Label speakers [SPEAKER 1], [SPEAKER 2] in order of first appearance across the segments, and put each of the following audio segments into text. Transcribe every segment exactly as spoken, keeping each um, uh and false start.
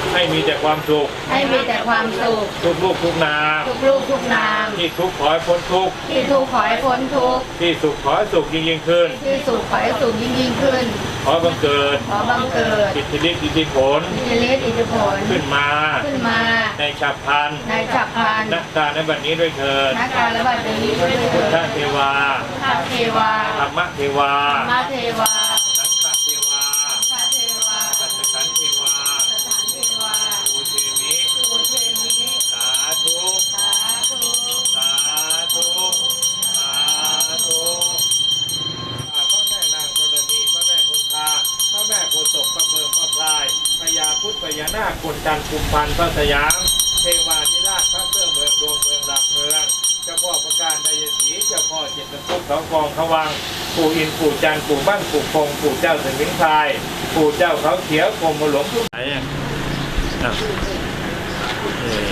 [SPEAKER 1] ให้มีแต่ความสุข
[SPEAKER 2] ให้มีแต่ความสุข
[SPEAKER 1] ทุกลูกทุกนาม
[SPEAKER 2] ทุกลูกทุกนาม
[SPEAKER 1] ที่ทุกข์ขอให้พ้นทุกข์
[SPEAKER 2] ที่ทุกข์ขอให้พ้นทุกข์
[SPEAKER 1] ที่สุขขอให้สุขยิ่งยิ่งขึ้น
[SPEAKER 2] ที่สุขขอให้สุขยิ่งยิ่งขึ้น
[SPEAKER 1] ขอบังเกิด
[SPEAKER 2] ขอบังเกิด
[SPEAKER 1] อิทธิฤทธิอิทธิผล
[SPEAKER 2] อิทธิฤทธิ์อิทธิผล
[SPEAKER 1] ขึ้นมา
[SPEAKER 2] ขึ้นมา
[SPEAKER 1] ในฉับพลัน
[SPEAKER 2] ในฉับพลัน
[SPEAKER 1] นักการในบัดนี้ด้วยเถิด
[SPEAKER 2] นักการและบัดนี้ด้วยเถิ
[SPEAKER 1] พุทธ
[SPEAKER 2] ด
[SPEAKER 1] เทวา
[SPEAKER 2] พระเทวา
[SPEAKER 1] ธรรมเทวา
[SPEAKER 2] มาเทวา
[SPEAKER 1] สังฆเทวา
[SPEAKER 2] พระเทวา
[SPEAKER 1] สัจขันธ์เทวา
[SPEAKER 2] สถานเทวา
[SPEAKER 1] ภูเทมิ
[SPEAKER 2] ภูเทมิ
[SPEAKER 1] สาธุ
[SPEAKER 2] สาธุ
[SPEAKER 1] สาธุสาธุข้าพระแม่นางธรณีพระแม่คงคาพระแม่โพธิ์ศพพระเพิงพระพลายพญาพุทธพญานาคกลจันทร์กุมพันธ์พระสยามเทวาธิราชพระเสื้อเมืองดวงเมืองหลักเมืองเจ้าพ่อประการไดยศรีเจ้าพ่อเจ็ดตะคุบเขากองเขาวังปู่อินทร์ปู่จันทร์ปู่บ้านปู่คงปู่เจ้าสมิงพรายปู่เจ้าเขาเขียวกรมหลวงทุกไหนอ่ะอ่ะเอ่อ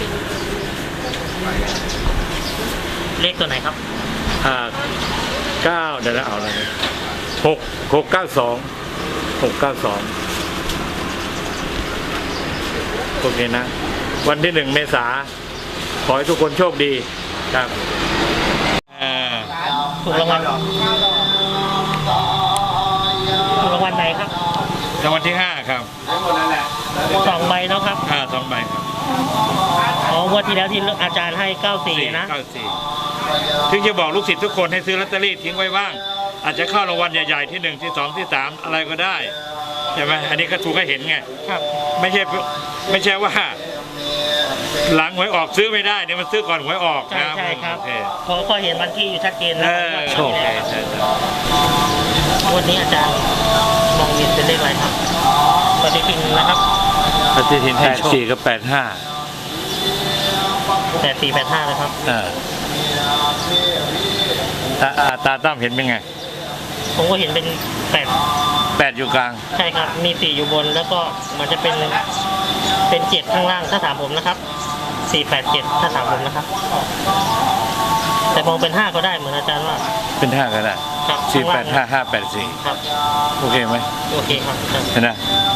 [SPEAKER 3] เลขตัวไหนครับ
[SPEAKER 1] อ่าเก้าเดี๋ยวนะเอาอะไรเนี่ยหกหกเก้าสองหกเก้าสองโอเคนะ วันที่หนึ่งเมษาขอให้ทุกคนโชคดีครับอ่า
[SPEAKER 3] ถูกรางวัลถูกรางวัลไหนครับ
[SPEAKER 1] รางวัลที่ห้าครับ
[SPEAKER 3] สองใบเนาะครับ
[SPEAKER 1] อ่าสองใบครับ
[SPEAKER 3] อ๋องวดที่แล้วที่อาจารย์ให้เก้าสี่นะ
[SPEAKER 1] เก้าสี่ถึงจะบอกลูกศิษย์ทุกคนให้ซื้อลอตเตอรี่ทิ้งไว้บ้าง อาจจะเข้ารางวัลใหญ่ๆที่หนึ่งที่สองที่สามอะไรก็ได้ใช่ไหมอันนี้ก็ถูกให้เห็นไง
[SPEAKER 3] ครับ
[SPEAKER 1] ไม่ใช่ไม่ใช่ว่า หลังหวยออกซื้อไม่ได้เนี่ยมันซื้อก่อนหวยออก
[SPEAKER 3] ใช่
[SPEAKER 1] นะ
[SPEAKER 3] ใช่ครับ
[SPEAKER 1] โอเค
[SPEAKER 3] เพราะก็เห็นวันที่อยู่ชัดเจน
[SPEAKER 1] เอ
[SPEAKER 3] นะ
[SPEAKER 1] อ
[SPEAKER 3] โช
[SPEAKER 1] โอ
[SPEAKER 3] ค
[SPEAKER 1] เคใช่ใช่
[SPEAKER 3] วันนี้อาจารย์มองเห็นเป็นเลขอะไรครับปฏิทินนะครับ
[SPEAKER 1] ปฏิทินแปดสี่กับแปดห้า
[SPEAKER 3] แปดสี่แปดห้านะครับ
[SPEAKER 1] อ่าตาตาตั้มเห็นเป็นไง
[SPEAKER 3] ผมก็เห็นเป็นแปด
[SPEAKER 1] แปดอยู่กลาง
[SPEAKER 3] ใช่ครับ มีสี่อยู่บนแล้วก็มันจะเป็นเป็นเจ็ดข้างล่างถ้าถามผมนะครับสี่แปดเจ็ดถ้าถามผมนะครับ แต่มองเป็นห้าก็ได้เหมือนอาจารย์ว่า
[SPEAKER 1] เป็นห้าก็ได้
[SPEAKER 3] ครับ
[SPEAKER 1] สี่
[SPEAKER 3] ข้ง
[SPEAKER 1] แป
[SPEAKER 3] ล่
[SPEAKER 1] ด
[SPEAKER 3] ง
[SPEAKER 1] ห้าห้าแปดสี่
[SPEAKER 3] ครับ
[SPEAKER 1] โอเคไหม
[SPEAKER 3] โอเคครับอาจารย์
[SPEAKER 1] เห็นไหม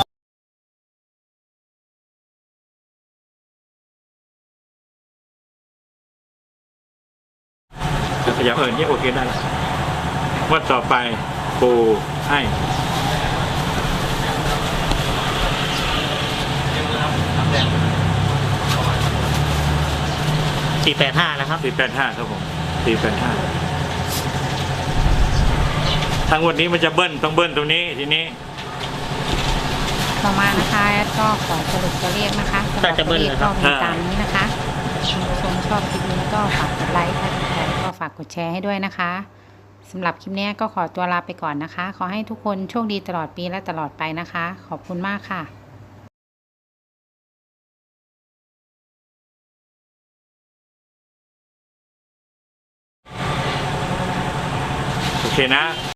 [SPEAKER 1] ขยับเอิญนี่โอเคได้แล้ววันต่อไปปูให้
[SPEAKER 3] สี่แปดห้านะครับ
[SPEAKER 1] สี่แปดห้าครับผมสี่แปดห้าทางวันนี้มันจะเบิ้ลต้องเบิ้ลตรงนี้ทีนี้
[SPEAKER 2] ต่อมานะคะแอดก็ขอสรุปตัวเลขนะคะสำหรับตัวเลขก็มีตามนี้นะคะคุณผู้ชมชอบคลิปนี้ก็ฝากกดไลค์ถ้าถูกใจก็ฝากกดแชร์ให้ด้วยนะคะสำหรับคลิปนี้ก็ขอตัวลาไปก่อนนะคะ ขอให้ทุกคนโชคดีตลอดปีและตลอดไปนะคะ ขอบคุณมากค่ะ
[SPEAKER 1] โอเคนะ